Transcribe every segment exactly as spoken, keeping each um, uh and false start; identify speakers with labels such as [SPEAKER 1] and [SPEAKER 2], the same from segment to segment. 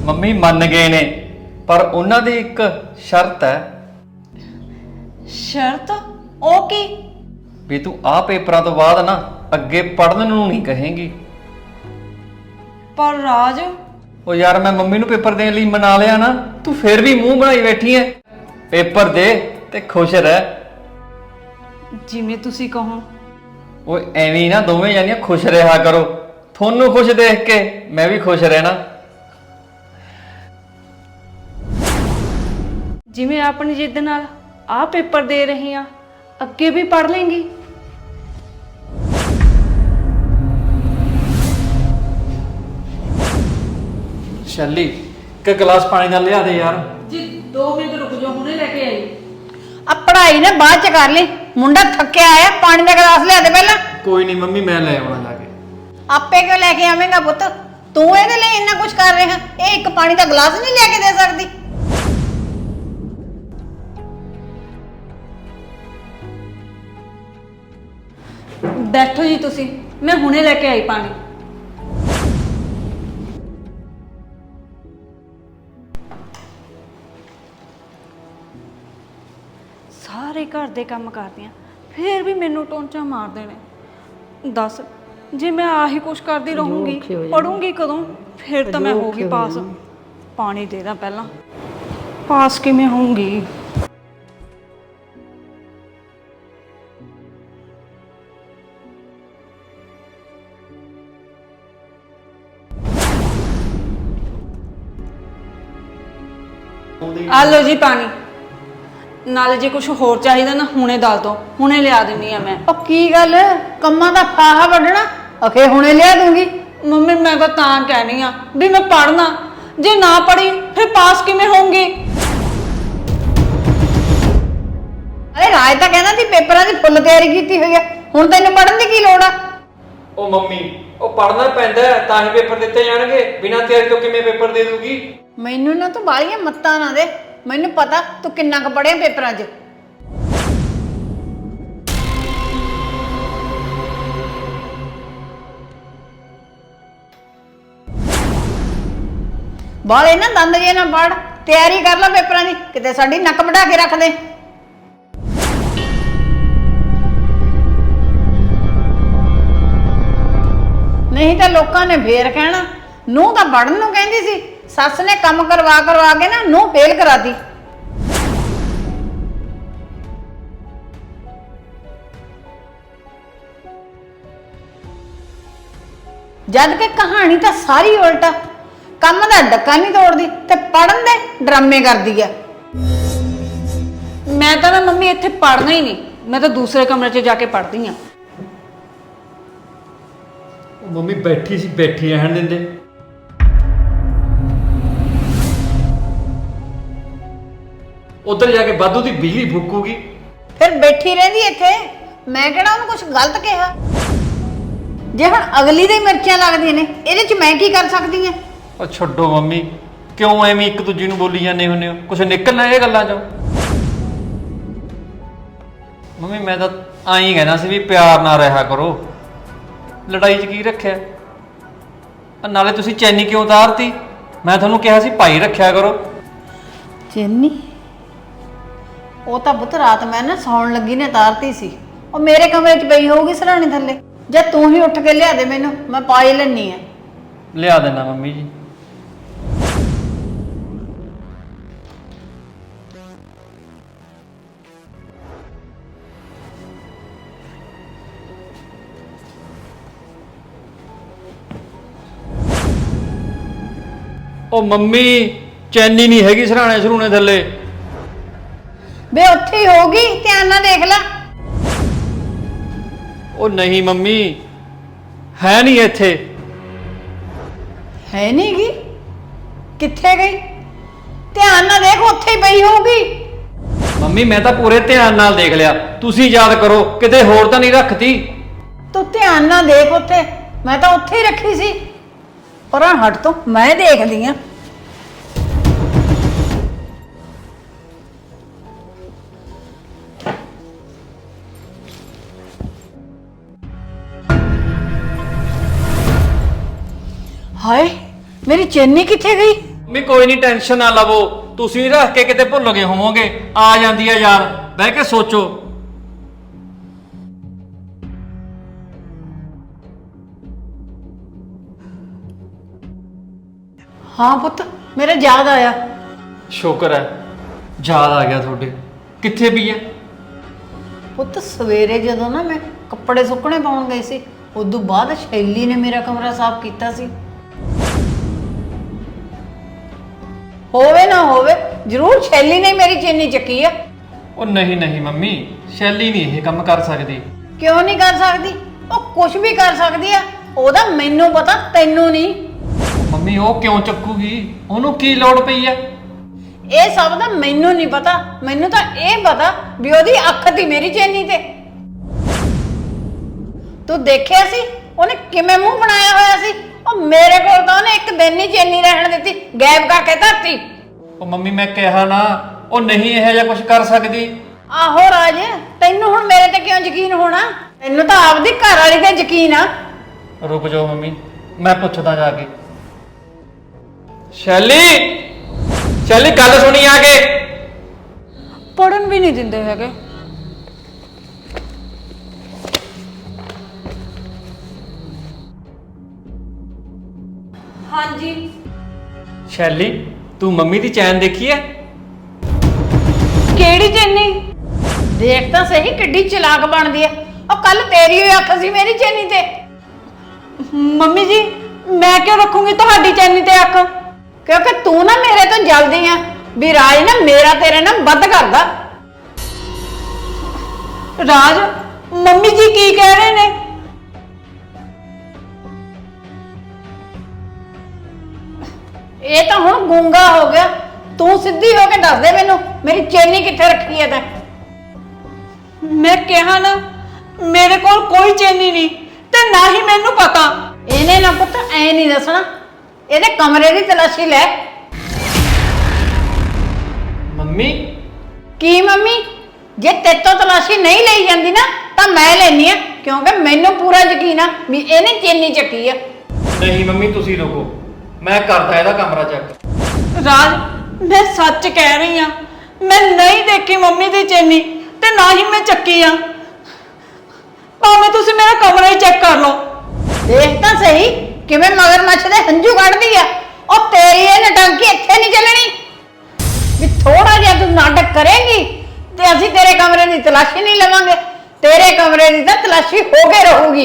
[SPEAKER 1] Mummy ਮੰਨ ਗਏ ਨੇ, ਪਰ ਉਹਨਾਂ ਦੀ ਇੱਕ ਸ਼ਰਤ ਹੈ।
[SPEAKER 2] ਸ਼ਰਤ? ਉਹ ਕੀ?
[SPEAKER 1] ਵੀ ਤੂੰ ਆਹ ਪੇਪਰਾਂ ਤੋਂ ਬਾਅਦ ਨਾ ਅੱਗੇ ਪੜ੍ਹਨ ਨੂੰ ਨਹੀਂ ਕਹੇਂਗੀ।
[SPEAKER 2] ਪਰ ਰਾਜ,
[SPEAKER 1] ਉਹ ਯਾਰ ਮੈਂ ਮੰਮੀ ਨੂੰ ਪੇਪਰ ਦੇਣ ਲਈ ਮਨਾ ਲਿਆ ਨਾ, ਤੂੰ ਫੇਰ ਵੀ ਮੂੰਹ ਬਣਾਈ ਬੈਠੀ ਐ। ਪੇਪਰ ਦੇ ਤੇ ਖੁਸ਼ ਰਹਿ।
[SPEAKER 2] ਜਿਵੇਂ ਤੁਸੀਂ ਕਹੋ।
[SPEAKER 1] ਉਹ ਐਵੇਂ ਹੀ ਨਾ ਦੋਵੇਂ ਜਾਨੀਆਂ ਖੁਸ਼ ਰਿਹਾ ਕਰੋ। ਤੁਹਾਨੂੰ ਖੁਸ਼ ਦੇਖ ਕੇ ਮੈਂ ਵੀ ਖੁਸ਼ ਰਹਿਣਾ।
[SPEAKER 2] ਜਿਵੇਂ ਆਪਣੀ ਜਿੱਦ ਨਾਲ ਆਹ ਪੇਪਰ ਦੇ ਰਹੀ ਆ, ਅੱਗੇ ਵੀ ਪੜ੍ਹ ਲੇਂਗੀ।
[SPEAKER 1] ਸ਼ੈਲੀ ਇੱਕ ਗਲਾਸ ਪਾਣੀ ਦਾ ਲਿਆ ਦੇ ਯਾਰ।
[SPEAKER 2] ਜੀ ਦੋ ਮਿੰਟ ਰੁਕ ਜਾਓ, ਹੁਣੇ ਲੈ ਕੇ ਆਈ।
[SPEAKER 3] ਆ ਪੜ੍ਹਾਈ ਨਾ ਬਾਅਦ ਚ ਕਰ ਲਈ, ਮੁੰਡਾ ਥੱਕਿਆ ਆਇਆ, ਪਾਣੀ ਦਾ ਗਲਾਸ ਲਿਆ ਦੇ ਪਹਿਲਾਂ।
[SPEAKER 1] ਕੋਈ ਨਹੀਂ ਮੰਮੀ, ਮੈਂ ਲੈ ਆਉਣਾ ਜਾ ਕੇ।
[SPEAKER 3] ਆਪੇ ਕਿਉਂ ਲੈ ਕੇ ਆਵੇਂਗਾ ਪੁੱਤ, ਤੂੰ ਇਹਦੇ ਲਈ ਇੰਨਾ ਕੁਝ ਕਰ ਰਿਹਾ, ਇਹ ਇੱਕ ਪਾਣੀ ਦਾ ਗਲਾਸ ਨਹੀਂ ਲਿਆ ਕੇ ਦੇ ਸਕਦੀ।
[SPEAKER 2] ਬੈਠੋ ਜੀ ਤੁਸੀਂ, ਮੈਂ ਹੁਣੇ ਲੈ ਕੇ ਆਈ ਪਾਣੀ। ਸਾਰੇ ਘਰ ਦੇ ਕੰਮ ਕਰਦੀ ਆ, ਫੇਰ ਵੀ ਮੈਨੂੰ ਟੋਂਚਾ ਮਾਰਦੇ ਨੇ। ਦੱਸ, ਜੇ ਮੈਂ ਆਹੀ ਕੁਛ ਕਰਦੀ ਰਹੂੰਗੀ, ਪੜੂੰਗੀ ਕਦੋਂ? ਫਿਰ ਤਾਂ ਮੈਂ ਹੋਊਗੀ ਪਾਸ। ਪਾਣੀ ਦੇ ਦਾਂ ਪਹਿਲਾਂ, ਪਾਸ ਕਿਵੇਂ ਹੋਊਂਗੀ? ਆ ਲਓ ਜੀ ਪਾਣੀ। ਨਾਲੇ ਜੇ ਕੁਝ ਹੋਰ ਚਾਹੀਦਾ ਨਾ ਹੁਣੇ ਦੱਸ ਦੋ, ਹੁਣੇ ਲਿਆ ਦਿੰਨੀ ਆ ਮੈਂ।
[SPEAKER 3] ਉਹ ਕੀ ਗੱਲ, ਕੰਮਾਂ ਦਾ ਫਾਹਾ ਵੱਢਣਾ? ਅਖੇ ਹੁਣੇ ਲਿਆ ਦੂੰਗੀ।
[SPEAKER 2] ਮੰਮੀ ਮੈਂ ਤਾਂ ਤਾਂ ਕਹਿਣੀ ਆ ਵੀ ਮੈਂ ਪੜ੍ਹਨਾ, ਜੇ ਨਾ ਪੜ੍ਹੀ ਫਿਰ ਪਾਸ ਕਿਵੇਂ ਹੋਊਂਗੀ?
[SPEAKER 3] ਅਰੇ ਰਾਜ ਤਾਂ ਕਹਿੰਦਾ ਸੀ ਪੇਪਰਾਂ ਦੀ ਫੁੱਲ ਤਿਆਰੀ ਕੀਤੀ ਹੋਈ ਆ, ਹੁਣ ਤੈਨੂੰ ਪੜ੍ਹਨ ਦੀ ਕੀ ਲੋੜ ਆ?
[SPEAKER 1] ਉਹ ਮੰਮੀ, ਉਹ ਪੜ੍ਹਨਾ ਪੈਂਦਾ ਤਾਂ ਹੀ ਪੇਪਰ ਦਿੱਤੇ ਜਾਣਗੇ। ਬਿਨਾਂ ਤਿਆਰੀ ਤੋਂ ਕਿਵੇਂ ਪੇਪਰ ਦੇ ਦੂਗੀ?
[SPEAKER 3] ਮੈਨੂੰ ਨਾ ਤੂੰ ਬਾਹਲੀਆਂ ਮੱਤਾਂ ਨਾ ਦੇ, ਮੈਨੂੰ ਪਤਾ ਤੂੰ ਕਿੰਨਾ ਕੁ ਪੜ੍ਹਿਆ ਪੇਪਰਾਂ 'ਚ। ਬਾਲੇ ਨਾ ਦੰਦ ਜੇ ਨਾ ਪੜ, ਤਿਆਰੀ ਕਰ ਲੈ ਪੇਪਰਾਂ ਦੀ, ਕਿਤੇ ਸਾਡੀ ਨੱਕ ਵਢਾ ਕੇ ਰੱਖ ਦੇ। ਨਹੀਂ ਤਾਂ ਲੋਕਾਂ ਨੇ ਫੇਰ ਕਹਿਣਾ ਨੂੰਹ ਤਾਂ ਪੜਨ ਨੂੰ ਕਹਿੰਦੀ ਸੀ, ਸੱਸ ਨੇ ਕੰਮ ਕਰਵਾ ਕਰਵਾ ਕੇ ਨਾ ਨੂੰਹ ਫੇਲ ਕਰਾਤੀ। ਜਦ ਕਿ ਕਹਾਣੀ ਤਾਂ ਸਾਰੀ ਉਲਟਾ, ਕੰਮ ਦਾ ਡੱਕਾ ਨਹੀਂ ਤੋੜਦੀ ਤੇ ਪੜਨ ਦੇ ਡਰਾਮੇ ਕਰਦੀ ਆ।
[SPEAKER 2] ਮੈਂ ਤਾਂ ਨਾ ਮੰਮੀ ਇੱਥੇ ਪੜ੍ਹਨਾ ਹੀ ਨਹੀਂ, ਮੈਂ ਤਾਂ ਦੂਸਰੇ ਕਮਰੇ 'ਚ ਜਾ ਕੇ ਪੜ੍ਹਦੀ ਆ।
[SPEAKER 1] ਉਹ ਮੰਮੀ ਬੈਠੀ ਸੀ, ਬੈਠੀ ਰਹਿਣ ਦਿੰਦੇ। ਉਧਰ ਜਾ ਕੇ ਵਾਧੂ ਦੀ ਬਿਜਲੀ ਫੂਕੂਗੀ।
[SPEAKER 3] ਫਿਰ ਬੈਠੀ ਰਹਿੰਦੀ ਇੱਥੇ, ਮੈਂ ਕਿਹੜਾ ਉਹਨੂੰ ਕੁਝ ਗਲਤ ਕਿਹਾ? ਜੇ ਹੁਣ ਅਗਲੀ ਦੇ ਮਿਰਚਾਂ ਲੱਗਦੀਆਂ ਨੇ, ਇਹਦੇ 'ਚ ਮੈਂ ਕੀ ਕਰ ਸਕਦੀ ਆ?
[SPEAKER 1] ਉਹ ਛੱਡੋ ਮੰਮੀ, ਕਿਉਂ ਐਵੇਂ ਇੱਕ ਦੂਜੀ ਨੂੰ ਬੋਲੀ ਜਾਂਦੇ ਹੁੰਦੇ ਹੋ? ਕੁਛ ਨਿਕਲਣਾ ਇਹ ਗੱਲਾਂ ਚੋਂ। ਮੰਮੀ ਮੈਂ ਤਾਂ ਆਈ ਕਹਿਣਾ ਸੀ ਵੀ ਪਿਆਰ ਨਾਲ ਰਿਹਾ ਕਰੋ, ਲੜਾਈ 'ਚ ਕੀ ਰੱਖਿਆ? ਨਾਲੇ ਤੁਸੀਂ ਚੈਨੀ ਕਿਉਂ ਉਤਾਰਤੀ? ਮੈਂ ਤੁਹਾਨੂੰ ਕਿਹਾ ਸੀ ਭਾਈ ਰੱਖਿਆ ਕਰੋ।
[SPEAKER 3] ਚੈਨੀ? ਉਹ ਤਾਂ ਪੁੱਤ ਰਾਤ ਮੈਂ ਨਾ ਸੌਣ ਲੱਗੀ ਨੇ ਤਾਰਤੀ ਸੀ, ਉਹ ਮੇਰੇ ਕਮਰੇ 'ਚ ਪਈ ਹੋਊਗੀ ਸਰਾਣੇ ਥੱਲੇ। ਜੇ ਤੂੰ ਹੀ ਉੱਠ ਕੇ ਲਿਆ ਦੇ ਮੈਨੂੰ, ਮੈਂ ਪਾ ਹੀ ਲੈਣੀ ਆ।
[SPEAKER 1] ਲਿਆ ਦੇਣਾ ਮੰਮੀ ਜੀ। ਉਹ ਮੰਮੀ ਚੈਨੀ ਨਹੀਂ ਹੈਗੀ ਸਰਾਣੇ ਸਰੂਣੇ ਥੱਲੇ।
[SPEAKER 3] ਬੇ ਉੱਥੇ ਹੀ ਹੋਊਗੀ, ਧਿਆਨ ਨਾਲ ਦੇਖ ਲੈ।
[SPEAKER 1] ਉਹ ਨਹੀਂ ਮੰਮੀ, ਹੈ ਨਹੀਂ ਇੱਥੇ।
[SPEAKER 3] ਹੈ ਨਹੀਂ ਗੀ? ਕਿੱਥੇ ਗਈ? ਧਿਆਨ ਨਾਲ ਦੇਖ, ਉੱਥੇ ਹੀ ਪਈ ਹੋਊਗੀ।
[SPEAKER 1] ਮੰਮੀ ਮੈਂ ਤਾਂ ਪੂਰੇ ਧਿਆਨ ਨਾਲ ਦੇਖ ਲਿਆ, ਤੁਸੀਂ ਯਾਦ ਕਰੋ ਕਿਤੇ ਹੋਰ ਤਾਂ ਨਹੀਂ ਰੱਖਤੀ।
[SPEAKER 3] ਤੂੰ ਧਿਆਨ ਨਾਲ ਦੇਖ, ਉੱਥੇ ਮੈਂ ਤਾਂ ਉੱਥੇ ਹੀ ਰੱਖੀ ਸੀ। ਪਰਾਂ ਹਟ ਤੋਂ, ਮੈਂ ਦੇਖਦੀ ਆ। ਹਾਏ, ਮੇਰੀ ਚੈਨੀ ਕਿੱਥੇ ਗਈ?
[SPEAKER 1] ਮੰਮੀ ਕੋਈ ਨਹੀਂ, ਟੈਨਸ਼ਨ ਨਾ ਲਵੋ, ਤੁਸੀਂ ਰੱਖ ਕੇ ਕਿਤੇ ਭੁੱਲ ਗਏ ਹੋਵੋਗੇ, ਆ ਜਾਂਦੀ ਹੈ ਯਾਰ, ਬਹਿ ਕੇ ਸੋਚੋ।
[SPEAKER 3] ਹਾਂ ਪੁੱਤ, ਮੇਰੇ ਯਾਦ ਆਇਆ।
[SPEAKER 1] ਸ਼ੁਕਰ ਹੈ ਯਾਦ ਆ ਗਿਆ ਤੁਹਾਡੇ। ਕਿੱਥੇ ਵੀ ਹੈ?
[SPEAKER 3] ਪੁੱਤ ਸਵੇਰੇ ਜਦੋਂ ਨਾ ਮੈਂ ਕੱਪੜੇ ਸੁੱਕਣੇ ਪਾਉਣ ਗਈ ਸੀ, ਉਦੋਂ ਬਾਅਦ ਸ਼ੈਲੀ ਨੇ ਮੇਰਾ ਕਮਰਾ ਸਾਫ਼ ਕੀਤਾ ਸੀ। ਹੋਵੇ ਨਾ ਹੋਵੇ, ਜ਼ਰੂਰ ਸ਼ੈਲੀ ਨੇ ਮੇਰੀ ਚੀਨੀ ਚੱਕੀ ਆ।
[SPEAKER 1] ਉਹ ਨਹੀਂ ਨਹੀਂ ਮੰਮੀ, ਸ਼ੈਲੀ ਨਹੀਂ ਇਹ ਕੰਮ ਕਰ ਸਕਦੀ।
[SPEAKER 3] ਕਿਉਂ ਨਹੀਂ ਕਰ ਸਕਦੀ? ਉਹ ਕੁਝ ਵੀ ਕਰ ਸਕਦੀ ਆ, ਉਹਦਾ ਮੈਨੂੰ ਪਤਾ, ਤੈਨੂੰ ਨਹੀਂ।
[SPEAKER 1] ਮੰਮੀ ਉਹ ਕਿਉਂ ਚੱਕੂਗੀ? ਉਹਨੂੰ ਕੀ ਲੋੜ ਪਈ ਹੈ?
[SPEAKER 3] ਇਹ ਸਭ ਦਾ ਮੈਨੂੰ ਨਹੀਂ ਪਤਾ, ਮੈਨੂੰ ਤਾਂ ਇਹ ਪਤਾ ਵੀ ਉਹਦੀ ਅੱਖ ਦੀ ਮੇਰੀ ਚੈਨੀ ਤੇ। ਤੂੰ ਦੇਖਿਆ ਸੀ ਉਹਨੇ ਕਿਵੇਂ ਮੂੰਹ ਬਣਾਇਆ ਹੋਇਆ ਸੀ? ਉਹ ਮੇਰੇ ਕੋਲ ਤਾਂ ਉਹਨੇ ਇੱਕ ਦਿਨ ਨਹੀਂ ਚੈਨੀ ਰਹਿਣ ਦਿੱਤੀ, ਗਾਇਬ ਕਰਕੇ ਧਰਤੀ।
[SPEAKER 1] ਉਹ ਮੰਮੀ ਮੈਂ ਕਿਹਾ ਨਾ, ਉਹ ਨਹੀਂ ਇਹੋ ਜਿਹਾ ਕੁਝ ਕਰ ਸਕਦੀ।
[SPEAKER 3] ਆਹੋ ਰਾਜ, ਤੈਨੂੰ ਹੁਣ ਮੇਰੇ ਤੇ ਕਿਉਂ ਯਕੀਨ ਹੋਣਾ? ਤੈਨੂੰ ਤਾਂ ਆਪਦੀ ਘਰ ਵਾਲੀ ਤੇ ਯਕੀਨ ਆ।
[SPEAKER 1] ਰੁਕ ਜਾਓ ਮੰਮੀ, ਮੈਂ ਪੁੱਛਦਾ ਜਾ ਕੇ। ਸ਼ੈਲੀ, ਸ਼ੈਲੀ ਗੱਲ ਸੁਣੀ ਆ ਕੇ।
[SPEAKER 2] ਪੜਨ ਵੀ ਨਹੀਂ ਦਿੰਦੇ ਹੈਗੇ। ਹਾਂਜੀ।
[SPEAKER 1] ਸ਼ੈਲੀ, ਤੂੰ ਮੰਮੀ ਦੀ ਚੈਨ ਦੇਖੀ ਹੈ?
[SPEAKER 2] ਕਿਹੜੀ ਚੈਨੀ?
[SPEAKER 3] ਦੇਖ ਤਾਂ ਸਹੀ ਕਿੱਡੀ ਚਲਾਕ ਬਣਦੀ ਆ। ਉਹ ਕੱਲ ਤੇਰੀ ਹੋਈ ਅੱਖ ਸੀ ਮੇਰੀ ਚੈਨੀ ਤੇ।
[SPEAKER 2] ਮੰਮੀ ਜੀ, ਮੈਂ ਕਿਉਂ ਰੱਖੂੰਗੀ ਤੁਹਾਡੀ ਚੈਨੀ ਤੇ ਅੱਖ?
[SPEAKER 3] ਕਿਉਂਕਿ ਤੂੰ ਨਾ ਮੇਰੇ ਤੋਂ ਜਲਦੀ ਆ ਵੀ ਰਾਜ ਨਾ ਮੇਰਾ ਤੇਰੇ ਨਾਲ ਵੱਧ ਕਰਦਾ।
[SPEAKER 2] ਰਾਜ, ਮੰਮੀ ਜੀ ਕੀ ਕਹਿ ਰਹੇ ਨੇ?
[SPEAKER 3] ਇਹ ਤਾਂ ਹੁਣ ਗੂੰਗਾ ਹੋ ਗਿਆ। ਤੂੰ ਸਿੱਧੀ ਹੋ ਕੇ ਦੱਸ ਦੇ ਮੈਨੂੰ, ਮੇਰੀ ਚੈਨੀ ਕਿੱਥੇ ਰੱਖੀ ਹੈ ਤੈਂ?
[SPEAKER 2] ਮੈਂ ਕਿਹਾ ਨਾ, ਮੇਰੇ ਕੋਲ ਕੋਈ ਚੈਨੀ ਨਹੀਂ ਤੇ ਨਾ ਹੀ ਮੈਨੂੰ ਪਤਾ।
[SPEAKER 3] ਇਹਨੇ ਨਾ ਪੁੱਤ ਐ ਨਹੀਂ ਦੱਸਣਾ, ਇਹਦੇ ਕਮਰੇ ਦੀ ਤਲਾਸ਼ੀ ਲੈ।
[SPEAKER 1] ਮੰਮੀ
[SPEAKER 3] ਕੀ ਮੰਮੀ? ਜੇ ਤੇਤੋਂ ਤਲਾਸ਼ੀ ਨਹੀਂ ਲਈ ਜਾਂਦੀ ਨਾ ਤਾਂ ਮੈਂ ਲੈਣੀ ਆ, ਕਿਉਂਕਿ ਮੈਨੂੰ ਪੂਰਾ ਯਕੀਨ ਆ ਵੀ ਇਹਨੇ ਚੈਨੀ ਚੱਕੀ ਆ।
[SPEAKER 1] ਨਹੀਂ ਮੰਮੀ, ਤੁਸੀਂ ਰੁਕੋ, ਮੈਂ ਕਰਦਾ ਇਹਦਾ ਕਮਰਾ ਚੈੱਕ।
[SPEAKER 2] ਰਾਜ, ਮੈਂ ਸੱਚ ਕਹਿ ਰਹੀ ਆ, ਮੈਂ ਨਹੀਂ ਦੇਖੀ ਮੰਮੀ ਦੀ ਚੈਨੀ ਤੇ ਨਾ ਹੀ ਮੈਂ ਚੱਕੀ ਆ। ਭਾਵੇਂ ਤੁਸੀਂ ਮੇਰਾ ਕਮਰਾ ਹੀ ਚੈੱਕ ਕਰ ਲਓ।
[SPEAKER 3] ਦੇਖ ਤਾਂ ਸਹੀ ਕਿਵੇਂ ਮਗਰਮੱਛ ਦੇ ਹੰਝੂ ਕੱਢਦੀ ਆ। ਉਹ ਤੇਰੀ ਇਹ ਨਟੰਕੀ ਇੱਥੇ ਨਹੀਂ ਚੱਲਣੀ ਵੀ ਥੋੜਾ ਜਿਹਾ ਤੂੰ ਨਾਟਕ ਕਰੇਂਗੀ ਤੇ ਅਸੀਂ ਤੇਰੇ ਕਮਰੇ ਦੀ ਤਲਾਸ਼ੀ ਨਹੀਂ ਲਵਾਂਗੇ। ਤੇਰੇ ਕਮਰੇ ਦੀ ਤਾਂ ਤਲਾਸ਼ੀ ਹੋ ਕੇ ਰਹੂਗੀ।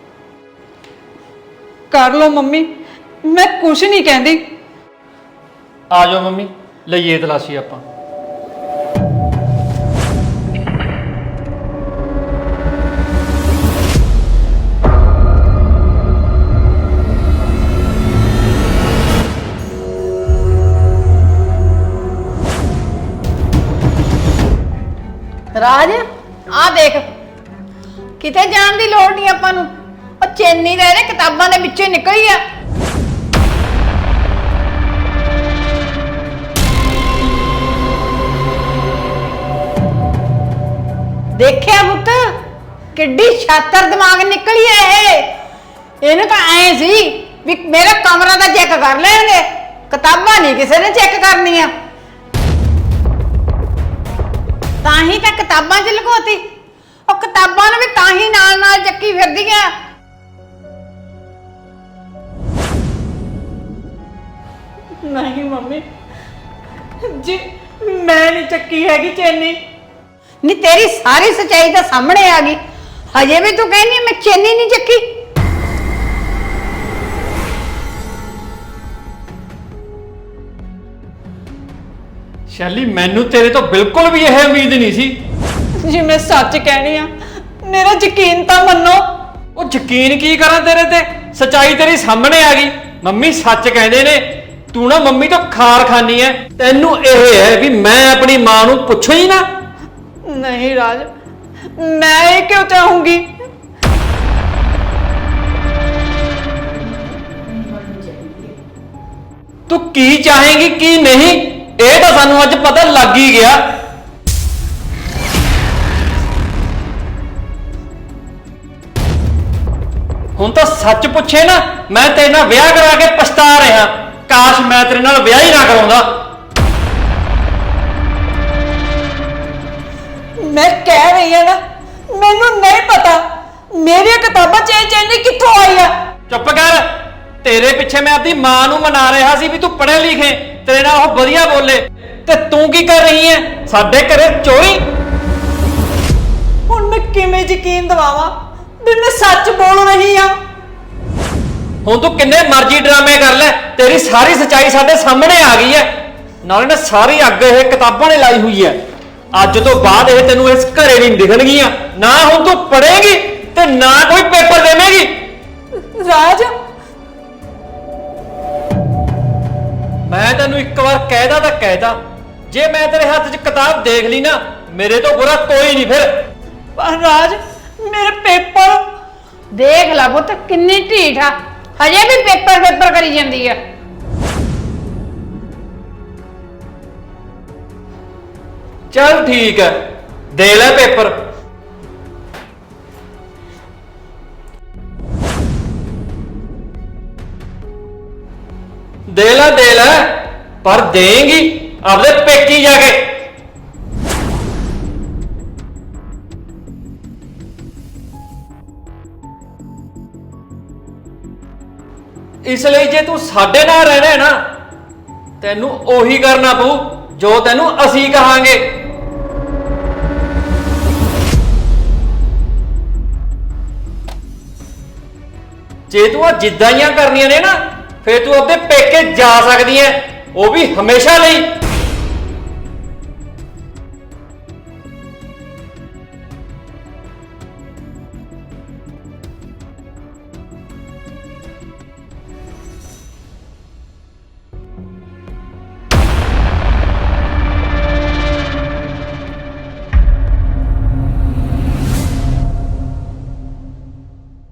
[SPEAKER 2] ਕਰ ਲਓ ਮੰਮੀ, ਮੈਂ ਕੁਝ ਨਹੀਂ ਕਹਿੰਦੀ।
[SPEAKER 1] ਆ ਜਾਓ ਮੰਮੀ, ਲਈਏ ਤਲਾਸ਼ੀ ਆਪਾਂ।
[SPEAKER 3] ਰਾਜ, ਆ ਦੇਖ, ਕਿਤੇ ਜਾਣ ਦੀ ਲੋੜ ਨਹੀਂ ਆਪਾਂ ਨੂੰ। ਉਹ ਚੈਨੀ ਦੇ ਇਹਦੇ ਕਿਤਾਬਾਂ ਦੇ ਵਿੱਚੋਂ ਹੀ ਨਿਕਲੀ ਆ। ਦੇਖਿਆ ਪੁੱਤ, ਕਿੱਡੀ ਸ਼ਾਤਰ ਦਿਮਾਗ ਨਿਕਲੀ ਐ ਇਹ। ਇਹਨੂੰ ਤਾਂ ਐ ਸੀ ਵੀ ਮੇਰਾ ਕਮਰਾ ਤਾਂ ਚੈੱਕ ਕਰ ਲੈਣਗੇ, ਕਿਤਾਬਾਂ ਨਹੀਂ ਕਿਸੇ ਨੇ ਚੈੱਕ ਕਰਨੀਆਂ। ਤਾਂ ਹੀ ਤਾਂ ਕਿਤਾਬਾਂ 'ਚ ਲੁਕੋਤੀ। ਉਹ ਕਿਤਾਬਾਂ ਨੂੰ ਵੀ ਤਾਂ ਹੀ ਨਾਲ ਨਾਲ ਚੱਕੀ ਫਿਰਦੀਆਂ।
[SPEAKER 2] ਨਹੀਂ ਮੰਮੀ ਜੀ, ਮੈਂ ਨਹੀਂ ਚੱਕੀ ਹੈਗੀ ਚੈਨੀ।
[SPEAKER 3] ਨੀ ਤੇਰੀ ਸਾਰੀ ਸੱਚਾਈ ਤਾਂ ਸਾਹਮਣੇ ਆ ਗਈ, ਹਜੇ ਵੀ ਤੂੰ ਕਹਿੰਦੀ ਮੈਂ ਚੈਨੀ ਨਹੀਂ ਚੱਕੀ।
[SPEAKER 1] ਸ਼ੈਲੀ, ਮੈਨੂੰ ਤੇਰੇ ਤੋਂ ਬਿਲਕੁਲ ਵੀ ਇਹ ਉਮੀਦ ਨਹੀਂ ਸੀ।
[SPEAKER 2] ਜੀ ਮੈਂ ਸੱਚ ਕਹਿਣੀ ਆ, ਮੇਰਾ ਯਕੀਨ ਤਾਂ ਮੰਨੋ।
[SPEAKER 1] ਉਹ ਯਕੀਨ ਕੀ ਕਰਾਂ ਤੇਰੇ ਤੇ? ਸੱਚਾਈ ਤੇਰੀ ਸਾਹਮਣੇ ਆ ਗਈ। ਮੰਮੀ ਸੱਚ ਕਹਿੰਦੇ ਨੇ, ਤੂੰ ਨਾ ਮੰਮੀ ਤੋਂ ਖਾਰ ਖਾਨੀ ਐ। ਤੈਨੂੰ ਇਹ ਹੈ ਵੀ ਮੈਂ ਆਪਣੀ ਮਾਂ ਨੂੰ ਪੁੱਛੋ ਹੀ ਨਾ।
[SPEAKER 2] ਨਹੀਂ ਰਾਜ, ਮੈਂ ਇਹ ਕਿਉਂ ਚਾਹੂੰਗੀ?
[SPEAKER 1] ਤੂੰ ਕੀ ਚਾਹੇਂਗੀ ਕੀ ਨਹੀਂ, ਇਹ ਤਾਂ ਸਾਨੂੰ ਅੱਜ ਪਤਾ ਲੱਗ ਹੀ ਗਿਆ। ਹੁਣ ਤਾਂ ਸੱਚ ਪੁੱਛੇ ਨਾ, ਮੈਂ ਤੇਰੇ ਨਾਲ ਵਿਆਹ ਕਰਾ ਕੇ ਪਛਤਾ ਰਿਹਾ। ਕਾਸ਼ ਮੈਂ ਤੇਰੇ ਨਾਲ ਵਿਆਹ ਹੀ ਨਾ ਕਰਾਉਂਦਾ।
[SPEAKER 2] ਮੈਂ ਕਹਿ ਰਹੀ ਹਾਂ ਨਾ, ਮੈਨੂੰ ਨਹੀਂ ਪਤਾ ਮੇਰੀਆਂ ਕਿਤਾਬਾਂ ਚ ਇਹ ਚੈਨੀ ਕਿੱਥੋਂ ਆਈ ਆ।
[SPEAKER 1] ਚੁੱਪ ਕਰ। ਤੇਰੇ ਪਿੱਛੇ ਮੈਂ ਆਪਣੀ ਮਾਂ ਨੂੰ ਮਨਾ ਰਿਹਾ ਸੀ ਵੀ ਤੂੰ ਪੜ੍ਹੇ ਲਿਖੇ, ਤੇਰੇ ਨਾਲ ਉਹ ਵਧੀਆ ਬੋਲੇ, ਤੇ ਤੂੰ ਕੀ ਕਰ ਰਹੀ ਹੈ ਸਾਡੇ ਘਰੇ ਚੋਰੀ।
[SPEAKER 2] ਹੁਣ ਮੈਂ ਕਿਵੇਂ ਯਕੀਨ ਦਿਵਾਵਾਂ ਵੀ ਮੈਂ ਸੱਚ ਬੋਲ ਰਹੀ ਆ।
[SPEAKER 1] ਹੁਣ ਤੂੰ ਕਿੰਨੇ ਮਰਜ਼ੀ ਡਰਾਮੇ ਕਰ ਲੈ, ਤੇਰੀ ਸਾਰੀ ਸੱਚਾਈ ਸਾਡੇ ਸਾਹਮਣੇ ਆ ਗਈ ਹੈ। ਨਾਲੇ ਨਾ ਸਾਰੀ ਅੱਗ ਇਹ ਕਿਤਾਬਾਂ ਨੇ ਲਾਈ ਹੋਈ ਹੈ। ਅੱਜ ਤੋਂ ਬਾਅਦ ਇਹ ਤੈਨੂੰ ਇਸ ਘਰੇ ਨਹੀਂ ਦਿਖਣਗੀਆਂ। ਨਾ ਹੁਣ ਤੂੰ ਪੜ੍ਹੇਂਗੀ ਤੇ ਨਾ ਕੋਈ ਪੇਪਰ ਦੇਵੇਂਗੀ।
[SPEAKER 2] ਰਾਜ,
[SPEAKER 1] ਮੈਂ ਤੈਨੂੰ ਇੱਕ ਵਾਰ ਕਹਿਦਾ ਤਾਂ ਕਹਿਦਾ, ਜੇ ਮੈਂ ਤੇਰੇ ਹੱਥ 'ਚ ਕਿਤਾਬ ਦੇਖ ਲਈ ਨਾ, ਮੇਰੇ ਤੋਂ ਬੁਰਾ ਕੋਈ ਨਹੀਂ ਫਿਰ।
[SPEAKER 2] ਪਰ ਰਾਜ, ਮੇਰੇ ਪੇਪਰ।
[SPEAKER 3] ਦੇਖ ਲੈ ਪੁੱਤ ਕਿੰਨੀ ਢੀਠ ਆ, ਹਜੇ ਵੀ ਪੇਪਰ ਪੇਪਰ ਕਰੀ ਜਾਂਦੀ ਆ।
[SPEAKER 1] ਚੱਲ ਠੀਕ ਹੈ, ਦੇ ਲੈ ਪੇਪਰ। ਦੇ ਲੈ ਦੇ ਲੈ, ਪਰ ਦੇਂਗੀ ਆਪਦੇ ਪੇਕੀ ਜਾ ਕੇ। ਇਸ ਲਈ ਜੇ ਤੂੰ ਸਾਡੇ ਨਾਲ ਰਹਿਣਾ ਹੈ ਨਾ, ਤੈਨੂੰ ਉਹੀ ਕਰਨਾ ਪਊ ਜੋ ਤੈਨੂੰ ਅਸੀਂ ਕਹਾਂਗੇ। ਜੇ ਤੂੰ ਆ ਜਿੱਦਾਂ ਦੀਆਂ ਕਰਨੀਆਂ ਨੇ ਨਾ, ਫੇਰ ਤੂੰ ਆਪਣੇ ਪੇਕੇ ਜਾ ਸਕਦੀ ਐ, ਉਹ ਵੀ ਹਮੇਸ਼ਾ ਲਈ।